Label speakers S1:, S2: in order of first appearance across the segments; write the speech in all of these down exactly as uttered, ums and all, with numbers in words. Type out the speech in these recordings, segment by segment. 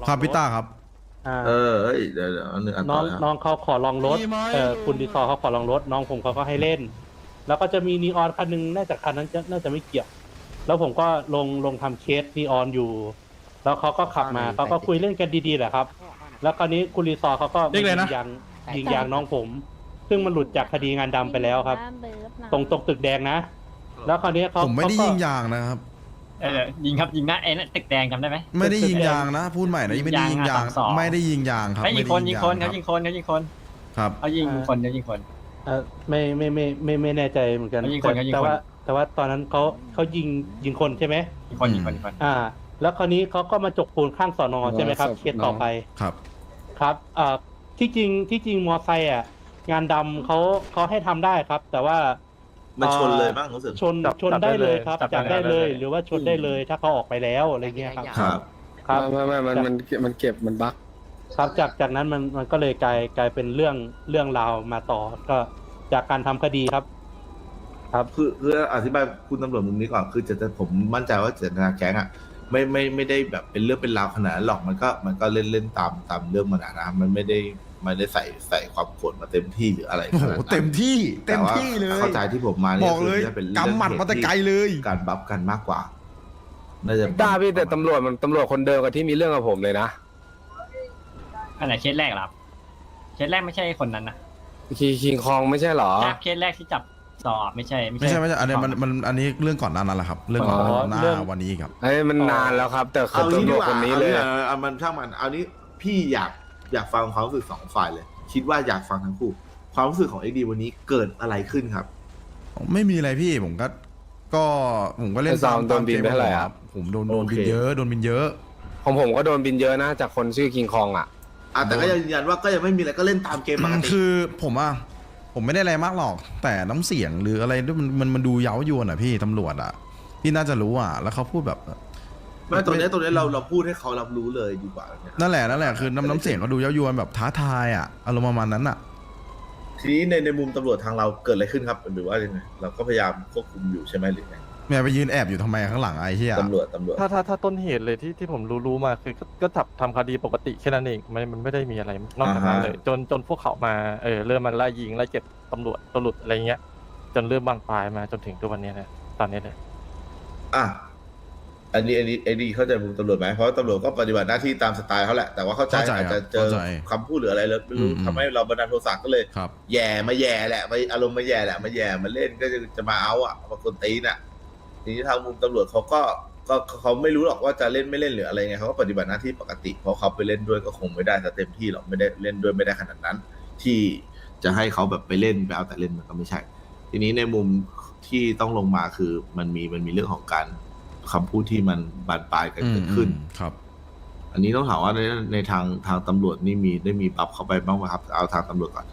S1: ครับพี่ต้าครับ
S2: อ่า
S3: เออเอ้ยเดี๋ยวเดี๋ยวอันหนึ่งอัน
S2: น้
S3: ต่
S2: อ
S3: อง นะครับ
S2: น้องเขาขอลองรถเอ่อคุณดีซอร์เขาขอลองรถน้องผมเขาก็ให้เล่น แล้วก็จะมีนีออนคันหนึงน่าจะคันนั้นจะน่าจะไม่เกี่ยว แล้วผมก็ลงลงทำเคสนีออนอยู่ แล้วเขาก็ขับมาเขาก็คุยเล่นกันดีๆแหละครับ แล้วคราวนี้คุณรีซอร์เขาก็ยิงยางยิงยางน้องผม ซึ่งมันหลุดจากคดีงานดำไปแล้วครับ ตรงตรงตึกแดงนะ แล้วคราวนี้เขา
S1: ผมไม่ได้
S2: เขาก็
S1: ยิงยางนะครับ
S4: เออยิงครับยิงนะไอ้นั่นตึกแดงจำได้ไหม
S1: ไม่ได้ยิงยางนะ พูดใหม่นะไม่ได้ยิงยาง
S4: ยิงยางอะสองสอง
S1: ไม่ได้ยิงยางครับ
S4: ไม่ยิงคน
S1: ไม่ได้
S4: ยิงคน
S1: ครั
S4: เขา
S1: บ
S4: ยิงคนเขายิงคน
S1: ครับ
S4: เขายิงคนเขายิงคน
S2: เออไม่ไม่ไม่ไม่ไม่แน่ใจเหมือนกัน
S4: เขายิงคนเขายิงคน
S2: แต่ว่าแต่ว่าตอนนั้นเขาเขายิงยิงคนใช่ไหม
S4: ยิงคนยิงคนยิงคน
S2: อ่า แล้วคราวนี้เขาก็มาจกปูนข้างสอนอใช่ไหมครับ เคสต่อไป
S1: ครับ
S2: ครับอ่าที่จริงที่จริงมอไซค์อ่ะงานดำเขาเขาให้ทำได้ครับ แต่ว่า
S3: มันชนเลยบ้างรู้สึก
S2: ชนชนได้เลยครับจับได้เลย หรือว่าชนได้เลยถ้าเขาออกไปแล้วอะไรเงี้ยครับ
S3: ครับ
S2: ครับ
S5: ไม่ไม่มันมันมันเก็บมันบั๊ก
S2: ครับจากจากนั้นมันมันก็เลยกลายกลายเป็นเรื่องเรื่องราวมาต่อ ก็จากการทำคดีครับ ครับ
S3: คือคืออธิบายคุณตำรวจมุมนี้ก่อนคือจะจะผมมั่นใจว่าเจตนาแก๊งอ่ะไม่ไม่ไม่ได้แบบเป็นเรื่องเป็นราวขนาดนั้นหรอกมันก็มันก็เล่นเล่นตามตามเรื่องมันอะนะมันไม่ได้ไม่ได้ใส่ใส่ความโกรธมาเต็มที่หรืออะไร
S1: โอ้
S3: ข
S1: โห
S3: นาดนั้น
S1: เต็มที่เต็
S3: แต่
S1: ม
S3: ว่า
S1: ที่เลย
S3: เข้าใจที่ผมมานี่
S1: บอกเลย
S3: คืน่าเป็นรื่อง
S1: กำหมัดมาแต่ไกลเลย
S3: การบัฟกันมากกว่าน่าจะ
S5: ต้าพี่แต่ตำรวจมันตำรวจคนเดิมกับที่มีเรื่องกับผมเลยนะ
S4: อันไหนเคสแรกเหรอครับเคสแรกไม่ใช่คนนั้นนะ
S5: คีคิงคองไม่ใช่เหรอ
S4: ใช่เคสแรกที่จับสอบไม่ใช่
S1: ไม่ใช่ไม่ใช่อันนี้มันมันอันนี้เรื่องก่อนหน้านั้นแหละครับ เรื่องก่อน
S2: อ๋อ
S1: หน้า
S2: เรื่อง
S1: วันนี้ครับ
S5: ไอ้ยมันนานแล้วครับ แต่คือ
S3: เอางี้
S5: ตำร
S3: ดี
S5: วจ
S3: กว่า
S5: คนนี้เลย
S3: เอางี้เอามันช่างมันเอานี้พี่อยากอยากฟังความรู้สึกสองฝ่ายเลย คิดว่าอยากฟังทั้งคู่ ความรู้สึกของเอ็กดีวันนี้เกิดอะไรขึ้นครับ
S1: ไม่มีอะไรพี่ผมก็ก็ผมก็เล่น
S5: ไอ้ซาว
S1: ตาม
S5: โดนบินไปเท่าไหร่
S1: ค
S5: ครั
S1: รับ บผมโดนโดนบิน
S3: โอเค
S1: เยอะโดนบินเยอะ
S5: ของผมก็โดนบินเยอะนะจากคนชื่อคิงคองอ่ะ
S3: อ่ะแต่ก็ยังยืนยันว่าก็ยังไม่มีอะไรก็เล่นตามเกมปกติ
S1: คือผมอ่ะผมไม่ได้อะไรมากหรอก แต่น้ำเสียงหรืออะไรด้วยมันมันมันดูเย้ายวนอ่ะพี่ตำรวจอ่ะพี่น่าจะรู้อ่ะ แล้วเขาพูดแบบ
S3: ไม่ตรงเนี้ยตรงเนี้ยเราเราพูดให้เขารับรู้เลยดีกว่านะครับ
S1: นั่นแหละนั่นแหละคือน้ำน้ำเสียงเขาดูเย้ายวนแบบท้าทายอ่ะอารมณ์ประมาณนั้นอ่ะ
S3: ทีนี้ในในมุมตำรวจทางเราเกิดอะไรขึ้นครับหรือว่ายังไงเราก็พยายามควบคุมอยู่ใช่ไหมหรือไง
S1: แม่ไปยืนแอบอยู่ทำไมข้างหลังไอ้เหี้ย
S3: ตำรวจตำรวจ
S6: ถ้าถ้าถ้าต้นเหตุเลยที่ที่ผมรู้รู้มาคือก็ก็จับทำคดีปกติแค่นั้นเองมันมันไม่ได้มีอะไรนอกจากนั้นเลย จนจนพวกเขามาเออเริ่มมาไล่ยิงไล่เก็บตำรวจตำรวจอะไรเงี้ย จนเริ่มบางปลายมาจนถึงทุกวันนี้นะตอนนี้เลย
S3: อ่ะอันนี้อันนี้ไอ้ดีเข้าใจมุมตำรวจไหมเพราะว่าตำรวจก็ปฏิบัติหน้าที่ตามสไตล์เขาแหละแต่ว่าเข้าใจ
S1: เข้าใจ
S3: อาจจะเจอ
S1: เข้าใจ
S3: คำพูดหรืออะไรแล้วไม่รู้
S1: อืมอืม
S3: ทำให้เราบันดาลโทสะก็เลย
S1: ครับ
S3: แย่มาแย่แหละมาอารมณ์มาแย่แหละมาแย่มาเล่นก็จะจะมาเอาอ่ะมากวนตีนอ่ะทีนี้ทางมุมตำรวจเขาก็ก็เขาไม่รู้หรอกว่าจะเล่นไม่เล่นหรืออะไรไงเขาก็ปฏิบัติหน้าที่ปกติเพราะเขาไปเล่นด้วยก็คงไม่ได้ซะเต็มที่หรอกไม่ได้เล่นด้วยไม่ได้ขนาดนั้น ที่จะให้เขาแบบไปเล่นไปเอาแต่เล่นมันก็ไม่ใช่ ทีนี้ในมุมที่ต้องลงมาคือมันมีมันมีเรื่องของการคำพูดที่มันบานปลายกัน
S1: อืม
S3: เกิดขึ้น
S1: อืมครับ
S3: อันนี้ต้องถามว่าในในทางทางตำรวจนี่มีได้มีปรับเข้าไปบ้างไหมครับเอาทางตำรวจก่อน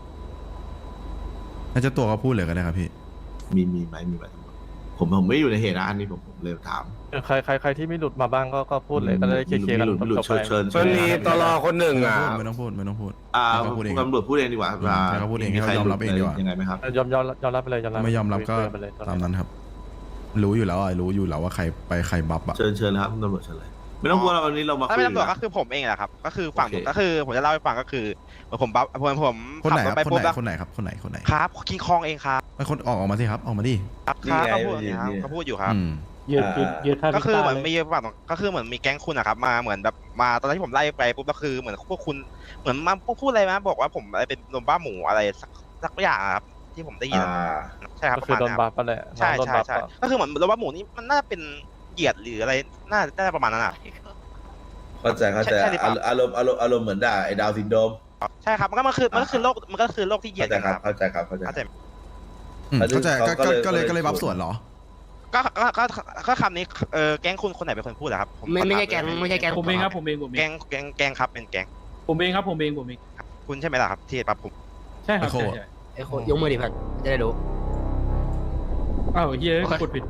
S1: น่าจะตัวเขาพูดเลยก็ได้ครับพี่
S3: มีมีไหมมีไหมตำรวจผมผมไม่อยู่ในเหตุนะอันนี้ผมผมเลยถาม
S6: เออใครใครใครที่ไม่หลุดมาบ้างก็ก็พูดเลยก็ได้เคลียร์ๆกัน
S3: มีหลุดมีหลุด
S6: จบๆไป
S3: เชิญเชิ
S5: มัน
S3: ญ
S5: มีตลอคนหนึ่งอ่ะ
S1: ไม่ต้องพูดไม่ต้องพูด
S3: อ่า
S1: ให้เขาพูดเอง
S3: ตำรวจพูดเองดีกว่า
S1: อืมให้เขาพูดเอง
S3: มีใคร
S1: ให้เขายอมรับเองดีกว่า
S3: ยังไงไหมครับ
S6: เออยอมยอมยอมรับไปเลยยอมรับ
S1: ไม่ยอมรับก็
S6: คุไปเลยตอน
S1: ตาม
S6: นั้น
S1: นั้นครับ รู้อยู่แล้วอ่ะรู้อยู่แล้วว่าใครไปใครบัฟอ่ะ
S3: เชิญเชิญเลยครับตำรวจเชิญเลย ไม่ต้องกลัวเราวันนี้เรามา
S7: ถ้า
S3: คุย
S7: เป็นตำรวจ
S3: กั
S7: ก็
S3: น
S7: คือผมเองแหละครับ ก็คือฝั่ง
S3: โอเค
S7: ก็คือผมจะเล่าให้ฟังก็คือผมบัฟผมผม
S1: คนไหน
S7: ขั
S1: ครับ
S7: ถไป
S1: คน
S7: ปุ๊บ
S1: ไหน
S7: แล้ว
S1: คนไหนครับคนไหนคนไหน
S7: ครับคิงคองเองครับ
S1: ไอ้คนออกออกมาสิครับออกมาดิ
S7: ครับ
S3: นี่
S7: ครับ
S3: ไง
S7: เขาพูด
S3: นี่
S7: ครับ
S3: นี่
S7: เขาพูดอยู่ครับ
S1: อืม
S2: ยืดยืดยืดค่า
S7: ก็คือเหมือน
S2: พิ
S7: มี
S2: ซซ่าลย
S7: ฝั่งก็คือเหมือนมีแก๊งคุณนะครับมาเหมือนแบบมาตอนที่ผมไล่ไปปุ๊บก็คือเหมือนพวกคุณเหมือนมาพูดอะไรมาบอกว่าผมอะไรเป็นโดนบ้าหมูอะไรสักสักอย่างอะครับที่ผมได้ยิน
S3: อ่า
S7: ใช่ครับ
S6: ก็
S7: ประ
S6: คือ
S7: มาณ
S6: โดน
S7: นั้น
S6: บัฟไปแหละ
S7: ใช่
S6: น้องโดน
S7: ใช่
S6: บัฟ
S7: ใช่
S6: อะ
S7: ก็คือเหมือนโดนบ้าหมูนี่มันน่าจะเป็นเหยียดหรืออะไรน่าน่าจะประมาณนั้นอ่ะ
S3: เข้าใจเข้าใจ
S7: ใช่หรือเปล่า
S3: อารมณ์อารมณ์อารมณ์เหมือนด่าไอ้ดาวซินโดรม
S7: ใช่ครับมันก็มันคือมันก็คือโรคมันก็คือโรคที่เหยีย
S3: เข้า
S7: ด
S3: ใจ
S7: กัน
S3: ครับ
S7: ครับ
S3: เข้าใจครับเข้าใจ
S7: เข้าใจ
S1: อืมเข้าใจก็
S3: เขาก็
S1: ก็
S3: เลย
S1: ก็เลยก็เลย
S3: ก็เลย
S1: บัฟส่วนเหรอ
S7: ก็ก็ก็ก็คำนี้เออแก๊งคุณคนไหนเป็นคนพูดอะครับผ
S8: ไม่ไม่ใช่
S7: ขอ
S8: แก๊
S7: ถาง
S8: ไม่ใช่แก๊ง
S9: ผมเองครับผมเองผมเอ
S7: แก๊
S9: ง
S7: งแก๊งแก๊งครับเป็นแก๊ง
S9: ผมเองครับผมเองผมเอง
S7: คุณใช่ไหมล่ะครับที่ปรับผม
S9: ใช่ครับ
S1: ไอ้โค
S9: ใช่ใช่
S8: ไอ้โคยกมือดิเพื่อนจะได้รู้
S9: อ้าวเฮียกดผิด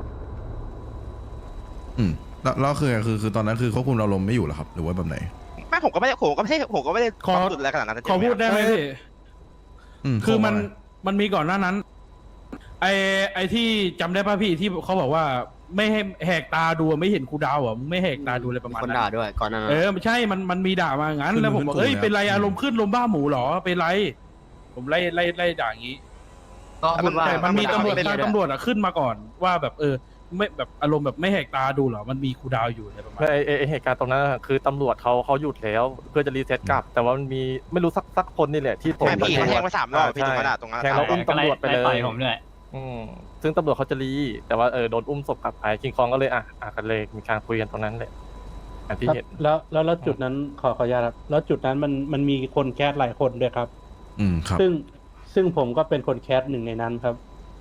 S1: อืมแล้วแล้วคือคือคือตอนนั้นคือควบคุมอารมณ์ไม่อยู่เหรอครับ หรือว่าแบบไหน
S7: ไม่ผมก็ไม่ได้ผมก็ไม่ได้ผมก็ไม่ได้
S9: ขอ
S7: สุดอะไรขนาดนั้น
S9: ขอพูดได้ไหมพี่
S1: อืม
S9: คือมัน
S1: ข้อมูล
S9: มันมีก่อนหน้านั้น ไอไอที่จำได้ป่ะพี่ที่เขาบอกว่าไม่ให้แหกตาดูอะไม่เห็นครูดาวเหรอมึงไม่แหกตาดูอะไรประมาณ
S8: คน
S9: นั้น
S8: ด่าด้วยก่อนหนั้าน
S9: เออไม่ใช่มันมันมีด่ามางั้น
S1: ขึ้น
S9: แล้วผมบอก
S1: ขึ้น
S9: เอ้ย
S1: กูเลย
S9: เป็นไร
S1: ครับ
S9: อารมณ์ขึ้นลมบ้าหมูเหรอเป็นไร ผมไล่ไล่ไล่ด่าอย่างนี้
S8: ก็พูดว่า
S9: แต่มันมีตำรวจ
S8: ไได้
S9: ทางตำรวจอะขึ้นมาก่อนว่าแบบเออไม่แบบอารมณ์แบบไม่แหกตาดูเหรอมันมีครูดาวอยู่อะไรประมาณ
S6: ไอ้
S9: นั้น
S6: ไอ้ไอ้เหตุการณ์ตรงนั้นอะคือตำรวจเขาเขาหยุดแล้วเพื่อจะรีเซ็ตกลับ แต่ว่ามันมีไม่รู้สักสักคนนี่แหละที่
S7: ใช่พี่เขาแทงไปสามรอบพี่ตรงนั้นอะตรงนั้น
S6: แทงแล้วอุ้มตำรวจไปเล
S4: ต่อย ยผมด้วย
S6: อืมซึ่งตำรวจเขาจะรีแต่ว่าเออโดนอุ้มศพกลับไปคิงคองก็เลยอ่ะอ่ะกันเลยมีการคุยกันตรงนั้นเลยอย่างที่เห็น
S2: แล้วแล้วแล้วจุดนั้นขอขออนุญาตครับแล้วจุดนั้นมันมันมีคนแคสหลายคนด้วยครับ
S1: อืมครับ
S2: ซึ่งซึ่งผมก็เป็นคนแคสหนึ่งในนั้นครับ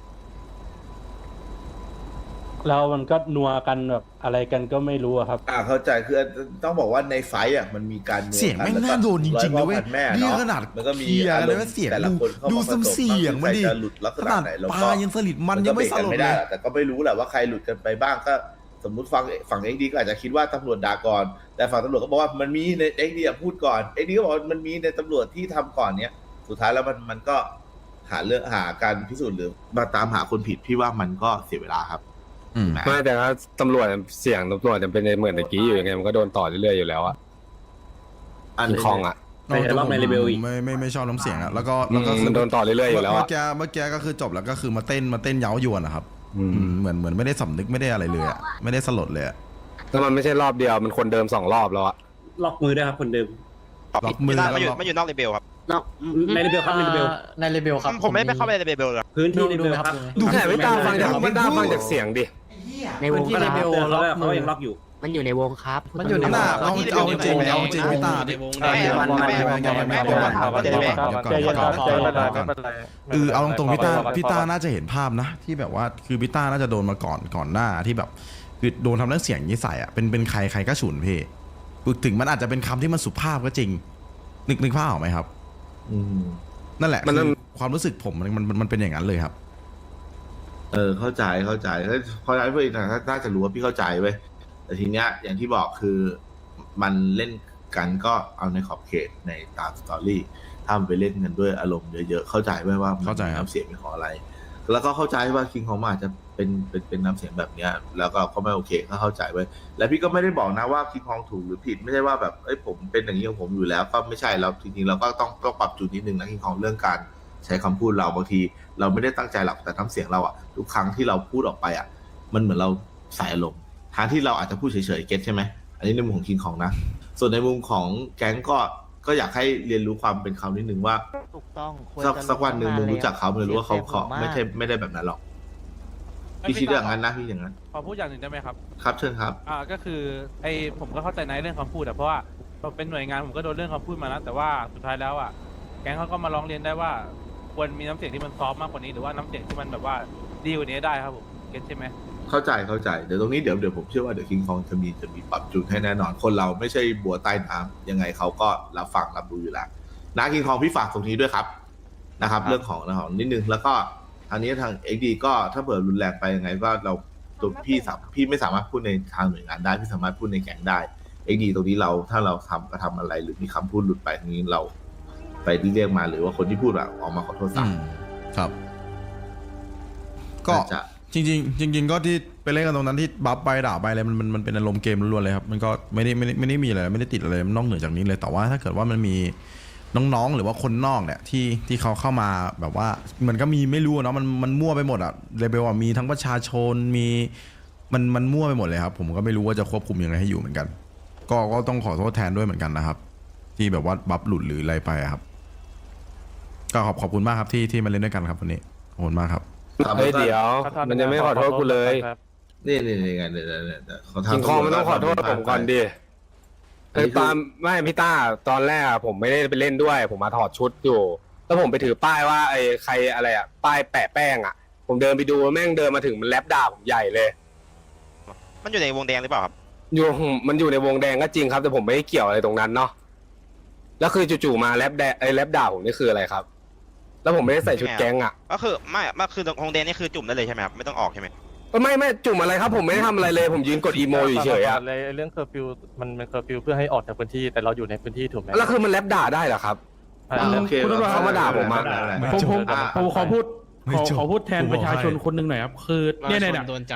S2: แล้วมันก็นัวกันแบบอะไรกันก็ไม่รู้อะครับ
S3: อ่าเข้าใจคือต้องบอกว่าในไฟท์อ่ะมันมีการนัว
S1: เสียงแม่ง
S3: กั
S1: น่าโดนจริงๆนะเว้ย
S3: ร้อพ่อพันแม่
S1: นี่
S3: เนาะ
S1: ขนาด
S3: มันก็มี
S1: เคลียร์
S3: อาร
S1: เลย
S3: ม
S1: ว่า
S3: ณ์
S1: เสียง
S3: แต่ละ
S1: ดู
S3: คนเข้า
S1: ดู
S3: มาผ
S1: ซุ่ม
S3: ส
S1: เสียงมันดิ
S3: ใครจะหลุดลักษ
S1: ข
S3: ณะ
S1: นาด
S3: ไหนเรา
S1: ป
S3: ก็
S1: ลายังสลิดมันยังไม่สลด
S3: ไม่
S1: เล
S3: ได้
S1: ย
S3: หรอกแต่ก็ไม่รู้แหละว่าใครหลุดกันไปบ้างก็สมมุติฟังฝั่งเอ็กดีก็อาจจะคิดว่าตำรวจด่าก่อนแต่ฝั่งตำรวจก็บอกว่ามันมีในเอ็กดีพูดก่อนเอ็กดีก็บอกว่ามันมีในตำรวจที่ทำก่อนเนี้ยสุดท้ายแล้วมันมันก็หาเรื่องหาการพิสูจน์หรือมาตามหาคนผิดพี่ว่ามันก็เสียเวลาครับ
S1: อืม
S5: ไม่แต่ถ้าตำรวจเสียงตำรวจจะเป็นในเหมือนตะกี้อยู่ยังไงมันก็โดนต่อเรื่อยๆอยู่แล้วอะ
S3: อัน
S5: คิง
S3: นี้
S5: คองอะ
S1: แต่ผมไม่ไม่ไม่ชอบน้ำเสียงอะแล้วก็แล้วก็
S5: อืม
S1: คือ
S5: มันโดนต่อเรื่อยๆอยู่แล้ว
S1: เมื่
S5: อะ
S1: อกี้เมื่อกี้ก็คือจบแล้วก็คือมาเต้นมาเต้นเย้ายวนอะครับ
S5: อืม
S1: อืมเหมือนเหมือนไม่ได้สำนึกไม่ได้อะไรเลยอะไม่ได้สลดเลยอะ
S5: แล้วมันไม่ใช่รอบเดียวมันคนเดิมสองรอบแล้วอะ
S8: ล็อกมือด้วยครับคนเดิม
S1: ล็อกมือ
S7: ไม่อยู่
S1: ล็อก
S7: ไม่อยู่นอกเลเบลครับ
S8: นอกในเลเบลครับในเลเบล
S10: ในเลเบลครับ
S7: ผมไม่ได้ไปเข้าไปในเลเบลเลย
S8: พื้นที่เลเบลครับ
S1: ดู
S5: แต่ไม่ตามฟังจากไม่ตามฟังจากเสียงดิ
S8: ในวง
S10: ที่เลเบลล็อกมือ
S8: มันอยู่ในวงครับ
S10: มันอยู่ใน
S1: หน้าเอา
S7: ที่
S1: เอาจริง
S7: ในวง
S1: เอาจริงพี่ตา
S10: ในวง
S7: ไม่ไม่ไม่ไม่ไม่ไม่ไม่ไม่
S1: เดี๋ยวก่อนเดี๋ยวก่อน
S2: ใจเย็นครับ
S1: เดี๋ยวก่อน
S6: ไม่
S1: เดี๋ยวก่อน
S6: เป็นไร
S1: เดี๋ยวก่อน
S6: ไม่เป็นไร
S1: เออเอาตรงๆพี่ตาพี่ตาน่าจะเห็นภาพนะ ที่แบบว่าคือพี่ตาน่าจะโดนมาก่อนก่อนหน้าที่แบบคือโดนทำเรื่องเสียงนี้ใส่อ่ะเป็นเป็นใครใครก็ฉุนพี่ถึงมันอาจจะเป็นคำที่มันสุภาพก็จริง นึกนึกภาพออกไหมครับ
S3: อืม
S1: นั่นแหละ
S5: มัน
S1: คือความรู้สึกผมมันมันมันเป็นอย่างนั้นเลยครับ
S3: เออเข้าใจเข้าใจเข้าใจเพื่อนน่าจะรู้ว่าพี่เข้าใจเว้ยแต่ทีเนี้ยอย่างที่บอกคือมันเล่นกันก็เอาในขอบเขตในตามสตอรี่ถ้ามันไปเล่นกันด้วยอารมณ์เยอะๆเข้าใจไหมว่ามัน
S1: เข้าใจครับ
S3: น้ำเสียงเป็นของอะไร แล้วก็เข้าใจว่าคิงของมันอาจจะเป็นเป็นเป็นน้ำเสียงแบบเนี้ยแล้วก็เขาไม่โอเคก็เข้าใจไว้ยแล้วพี่ก็ไม่ได้บอกนะว่าคิงของถูกหรือผิดไม่ใช่ว่าแบบเอ้ยผมเป็นอย่างนี้ของผมอยู่แล้วก็ไม่ใช่เราจริงๆเราก็ต้องต้องปรับจูนนิดนึงนะคิงของเรื่องการใช้คำพูดเราบางที เราไม่ได้ตั้งใจหรอกแต่น้ำเสียงเราอะทุกครั้งที่เราพูดออกไปอะมันเหมือนเราใส่อารมณ์ทางที่เราอาจจะพูดเฉยๆเก็ตใช่ไหมอันนี้ในมุมของคิงของนะส่วนในมุมของแก๊งก็ก็อยากให้เรียนรู้ความเป็นเขานิดนึงว่า
S10: ถูกต้องควร
S3: สัก
S10: จะ
S3: สักวันหนึ่งมึงรู้จักเขามึงจะรู้ว่าเขา
S10: สียใจ
S3: เขา
S10: ผมก
S3: ไม่ใช่ไม่ได้แบบนั้นหรอกพี่คิดอย่างนั้นนะพี่อย่างนั้น
S9: ขอพูดอย่างหนึ่งได้ไหมครับ
S3: ครับเชิญครับ
S9: อ่าก็คือไอผมก็เข้าใจในเรื่องคำพูดอะเพราะว่าเราเป็นหน่วยงานผมก็โดนเรื่องคำพูดมาแล้วแต่ว่าสุดท้ายแล้วอะแก๊งเขาก็มาร้องเรียนได้ว่าควรมีน้ำเสียงที่มันซอฟต์มากกว่านี้หรือว่าน้ำเสียงที่มันแบบว่าดีกว่านี้ได้ครับผมเก็ตใช่ไหม
S3: เข้าใจเข้าใจเดี๋ยวตรงนี้เดี๋ยวเดี๋ยวผมเชื่อว่าเดี๋ยวคิงคองจะมีจะมีปรับจูนให้แน่นอนคนเราไม่ใช่บัวใต้น้ำยังไงเขาก็รับฟังรับรู้อยู่แล้วนะคิงคองพี่ฝากตรงนี้ด้วยครับนะครับ เรื่องของเรื่องของนิดนึงแล้วก็ทางนี้ทางเอ็กดีก็ถ้าเผื่อรุนแรงไปยังไงก็เราตัวพี่สามพี่ไม่สามารถพูดในทางหน่วยงานได้พี่สามารถพูดในแก๊งได้เอ็กดีตรงนี้เราถ้าเราทำกระทำอะไรหรือมีคำพูดหลุดไปตรงนี้เราไปที่เรียกมาหรือว่าคนที่พูดแบบออกมาขอโทษ
S1: อื
S3: ซะ
S1: มครับ ก็
S3: น่าจะ
S1: จริงๆจริง ๆ ก็ที่ไปเล่นกันตรงนั้นที่บัฟไปด่าไปอะไรมันมันมันเป็นอารมณ์เกมล้วนๆเลยครับมันก็ไม่ได้ไม่ได้ไม่ได้มีอะไรไม่ได้ติดอะไรมันนอกเหนือจากนี้เลยแต่ว่าถ้าเกิดว่ามันมีน้องๆหรือว่าคนนอกเนี่ยที่ที่เขาเข้ามาแบบว่ามันก็มีไม่รู้เนาะมันมันมั่วไปหมดอะเลเบลอะมีทั้งประชาชนมีมันมันมั่วไปหมดเลยครับผมก็ไม่รู้ว่าจะควบคุมยังไงให้อยู่เหมือนกัน ก็ก็ต้องขอโทษแทนด้วยเหมือนกันนะครับ ที่แบบว่าบัฟหลุดหรืออะไรไปอะครับ ก็ขอบขอบคุณมากครับที่ที่มาเล่นด้วยกันครับวันนี้ขอบคุณมากครับ
S3: ครับ
S5: เฮ้ยเดี๋ยว มันยังไม่ขอโทษกูเลย
S3: นี่นี่นี่ไงเนี่ยเนี่ยเนี่ยเขาทำ
S5: คิงคองมันต้องขอโทษผมก่อนดิ
S3: อัน
S5: ไอ้
S3: นี้คือ
S5: ปาล์มไม่พี่ต้าตอนแรกอะผมไม่ได้ไปเล่นด้วย ผมมาถอดชุดอยู่ แล้วผมไปถือป้ายว่าไอ้ใครอะไรอะป้ายแปะแป้งอะผมเดินไปดูแม่งเดินมาถึงมันแลบด่าผมใหญ่เลย
S7: มันอยู่ในวงแดงหรือเปล่าครับ
S5: อยู่มันอยู่ในวงแดงก็จริงครับ แต่ผมไม่ได้เกี่ยวอะไรตรงนั้นเนาะแล้วคือจู่ๆมาแลบแดงไอ้แลบด่าผมนี่คืออะไรครับ แล้วผมไม่ได้ใส่ชุดแก๊งอะ
S7: ก็คือไม่ไม่คือวงแดงนี่คือจุ่มได้เลยใช่ไหมครับไม่ต้องออกใช่ไหม
S5: ไม่ไม่จุ่มอะไรครับ ผมไม่ได้ทำอะไรเลย ผมยืนกดอีโมอยู่เฉยๆอะ
S6: เลยเรื่องเคอร์ฟิวมันเป็นเคอร์ฟิวเพื่อให้ออกจากพื้นที่แต่เราอยู่ในพื้นที่ถูกไหม
S5: แล้วคือมันแลบด่าได้เหรอครับ
S6: ใช่
S3: อ่าโอเค
S9: คุณตำรวจ
S5: เขามาด่าผมมา
S9: ผมผม
S3: อ่า
S9: ผมขอพูด
S1: ไม่
S9: ขอ
S1: จบ
S9: ขอพูดแทน
S1: กูบอก
S9: ประชาชน
S1: ให้
S9: คนหนึ่งหน่อยครับคือเนี่ยเนี่ยเนี่ย
S10: โดนจับ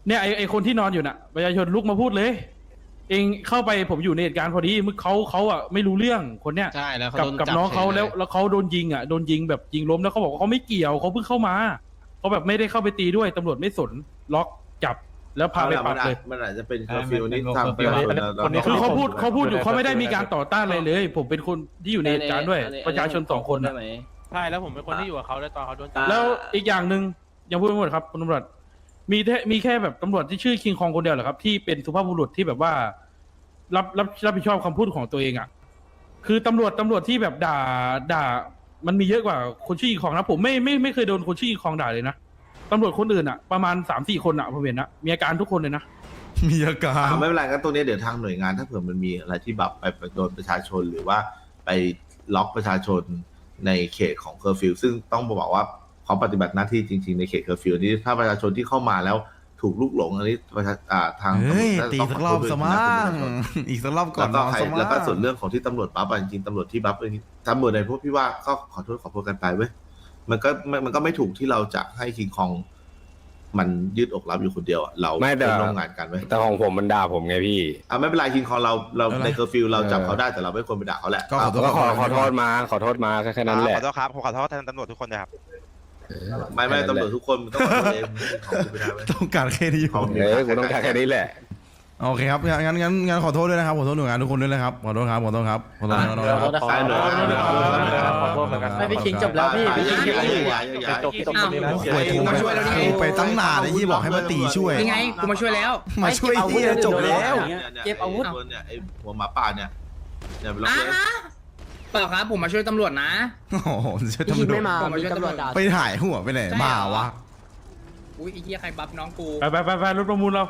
S11: เนี่ยไอไอคนที่นอนอยู่น่ะประชาชนลุกมาพูดเลย เองเข้าไปผมอยู่ในเหตุการณ์พอดีมึงเขาเขาอ่ะไม่รู้เรื่องคนเนี้ย
S8: ใช่แล้ว
S11: กับกับน้องเขาแล้วแล้วเขาโดนยิงอ่ะโดนยิงแบบยิงล้มแล้วเขาบอกว่าเขาไม่เกี่ยวเขาเพิ่งเข้ามาเขาแบบไม่ได้เข้าไปตีด้วยตำรวจไม่สนล็อกจับแล้วพาไปปรับเลย
S3: มันอาจจะเป็นเคอร์ฟิวนี่ทาง
S6: อันนี้อันนี้คนนี้
S11: คือเขาพูดเขาพูดอยู่เขาไม่ได้มีการต่อต้านอะไรเลย ผมเป็นคนที่อยู่ในเหตุการณ์ด้วย ประชาชนสองคนนะ
S9: ใช่แล้วผมเป็นคนที่อยู่กับเขาด้วยตอนเขาโดนจับ
S11: แล้วอีกอย่างหนึ่งยังพูดไม่หมดครับคุณตำรวจมีแค่มีแค่แบบตำรวจที่ชื่อคิงคองคนเดียวเหรอครับที่เป็นสุภาพบุรุษที่แบบว่า รับรับรับผิดชอบคำพูดของตัวเองอ่ะคือตำรวจตำรวจที่แบบด่าด่า มันมีเยอะกว่าคนชื่อคิงคองนะผมไม่ไม่ไม่เคยโดนคนชื่อคิงคองด่าเลยนะตำรวจคนอื่นอ่ะประมาณสามสี่คนอ่ะผมเห็นนะมีอาการทุกคนเลยนะ
S1: มีอาการ
S3: อ่าไม่เป็นไรงั้นตรงนี้เดี๋ยวทางหน่วยงานถ้าเผื่อมันมีอะไรที่แบบไปไปโดนประชาชนหรือว่าไปล็อกประชาชนในเขตของเคอร์ฟิวซึ่งต้องบอกว่าเขาปฏิบัติหน้าที่จริงๆในเขตเคอร์ฟิวนี้ถ้าประชาชนที่เข้ามาแล้วถูกลุกหลงอันนี้ประชาอ่าทาง
S1: เฮ้ย
S3: ตำรวจ
S1: ตี
S3: ต้อง
S1: สัก
S3: ข
S1: ร
S3: อ
S1: อบ
S3: โทษ
S1: ส
S3: ด้วย
S1: มั่
S3: นะ
S1: ง
S3: คุณประชาชน
S1: อีกสักรอบก่อ
S3: แล้
S1: น
S3: วก็
S1: นอน
S3: ใคร
S1: สมั่ง
S3: แล้วก็ส่วนเรื่องของที่ตำรวจบัฟอะจริงๆตำรวจที่บัฟเองตำรวจในพวกพี่ว่าก็ขอโทษขอโทษกันไปเว้ยมันก็มันมันก็ไม่ถูกที่เราจะให้คิงคองมันยืดอกรับอยู่คนเดียวอะเรา
S5: ไม่แต่
S3: เป็นร่วมงานกันเว้ย
S5: แต่ของผมมันด่าผมไงพี่
S3: อ่ะไม่เป็นไรคิงคองเราเราในเคอร์ฟิวเราจับเขาได้แต่เราไม่ควรไปด่าเขาแหละ
S1: ก็ขอโทษ
S5: ก็ขอขอโทษมาขอโทษมาแค่แค่นั้นแหละ
S7: ขอโทษครับผมขอโทษแทนตำรวจทุกคนเลยครับ
S3: ไม่ไม่ตำรวจทุกคนมันต้องขอโทษเองของกูไม่ได้เว้ย
S1: ต้องการแค่นี้
S3: ของ
S5: เออกูต้องการแค่นี้แหละ
S1: โอเคครับงั้นงั้นงั้นขอโทษด้วยนะครับขอโทษหน่วยงานทุกคนด้วยนะครับขอโทษครับขอโทษครับขอโทษขอโทษครับ
S3: ใช่หน่วยงาน
S6: ขอโทษเหมือนกัน
S8: ไม่พี่คิงจบแล้วพี่พี่คิง
S3: ย้ายย้ายย้าย
S6: จบจบตรงนี้นะ
S1: โอ้ยกูมาช่วยแล้วนี่ไปตั้งนานไอ้ยี่บอกให้มาตีช่วย
S8: ยังไงกูมาช่วยแล้ว
S1: มาช่วยเฮียจบแล้ว
S8: เก็บอาวุธ
S3: เนี่ยไอ้หัวหมาป่าเนี่ยเนี่ยไปล็อกเลย
S8: เปล่าครับผมมาช่วยตำรวจนะ
S1: โอ้โหช่วย
S8: พี่คิง
S1: ตำรว
S8: ไม่
S1: จ
S8: มามีตำรวจด่า
S1: ไปถ่ายหัวไปไหนมาวะ
S8: อุ้ยไอ้เหี้ยใครบัฟน้องกู
S11: ไปไปไปไปรถประมูลเรา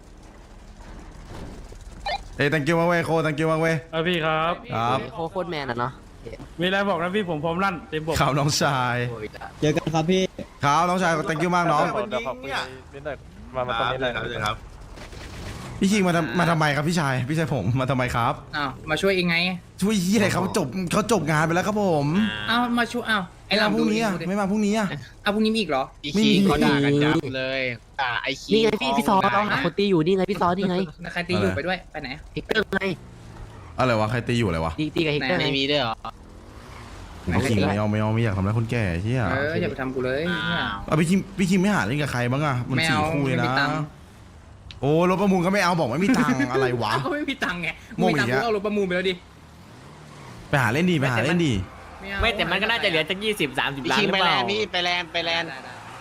S1: เอ้ย thank you มากเว้ยโค thank you มากเว้ย
S11: เออพี่ครับ
S1: ครับ
S8: โคโคตรแมนอ่ะเนาะ
S11: มีอะไรบอกนะพี่ผมพร้อมลั่นเต็มบก
S1: ข่าวน้องชาย
S10: เจอกันครับพี่
S1: ข่าวน้องชาย thank you มากน้อง
S6: เดี๋ยวขอคุยนิดหน่อยมามาตรงนี้เลย
S3: ครับครับ
S1: พี่คิงมาทำมาทำไมครับพี่ชายพี่ชายผมมาทำไมครับ
S8: อ้าวมาช่วยเองไง
S1: ช่วยยี่อะไรเขาจบเขาจบงานไปแล้วครับผม
S8: อ้าวมาช่วยอ้าวไอ้
S1: ไม่มา
S8: ลำ
S1: พรุ่งนี้อ่ะไม่มาพรุ่งนี้อ่ะ
S8: อ้าวพรุ่งนี้มีอีกเหรอ
S1: ไม่มี
S8: เขาด่ากันจับเลยด่าไอ้ขี้นี่ไงพี่พี่ซอต้องหาคนตีอยู่นี่ไงพี่ซอนี่ไงใครตีอยู่ไปด้วยไปไหนฮิกเตอร์ไง
S1: อะไรวะใครตีอยู่อะไรวะ
S8: ตีตีกับฮิกเตอร์ไม่มีด้วยเหรอ
S1: พี่คิงไม่เอาไม่เอาไม่อยากทำร้ายคนแก่เฮีย
S8: เอออย่าไปทำกูเลยเนี่ย
S1: เอาพี่คิงพี่คิงไม่หาเล่นกับใครบ้างอ่ะมัน
S8: ไม่
S1: สี่
S8: เอา
S1: คู่เลย
S8: ไม่มี
S1: นะ
S8: ตังค์
S1: โอ้รถประมูลก็ไม่เอาบอกไม่มีตังค์อะไรวะ
S8: ก็ไม่มีตังค์ไง
S1: โง่
S8: มีตังค์
S1: อีก
S8: กู
S1: อะ
S8: เอารถประมูลไปแล้วดิ
S1: ไปหาเล่นดีไปหาเล่นดี
S8: เอา
S12: ไม่แต่มันก็น่าจะเหลือจากยี่สิบสามสิบล้านหรือเปล่า
S8: ไปแลนไปแลน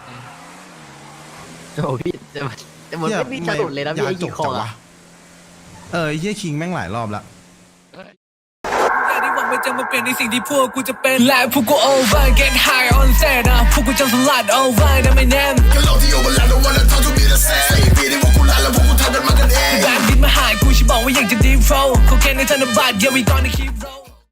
S8: โอ้พี่จะจะหมดไม่มีจะหลุดเลยนะพี่ไอ้กี่คออะ
S1: เออเฮียคิงแม่งหลายรอบละ
S13: ที่หวังมันจะมาเปลี่ยนในสิ่งที่พวกกูจะเป็นและพวกกู over get high on set นะพวกกูจะสลัด over นะไม่แน่ก็เราที่ over แล้ว don't wanna talk to me the same ใส่ปีที่พวกกูลาแล้วพวกกูทำกันมากันเองแบบดินมาหายกูฉันบอกว่าอยากจะ deep flow เขาแค่ในธนบัตร yeah we gonna keep roll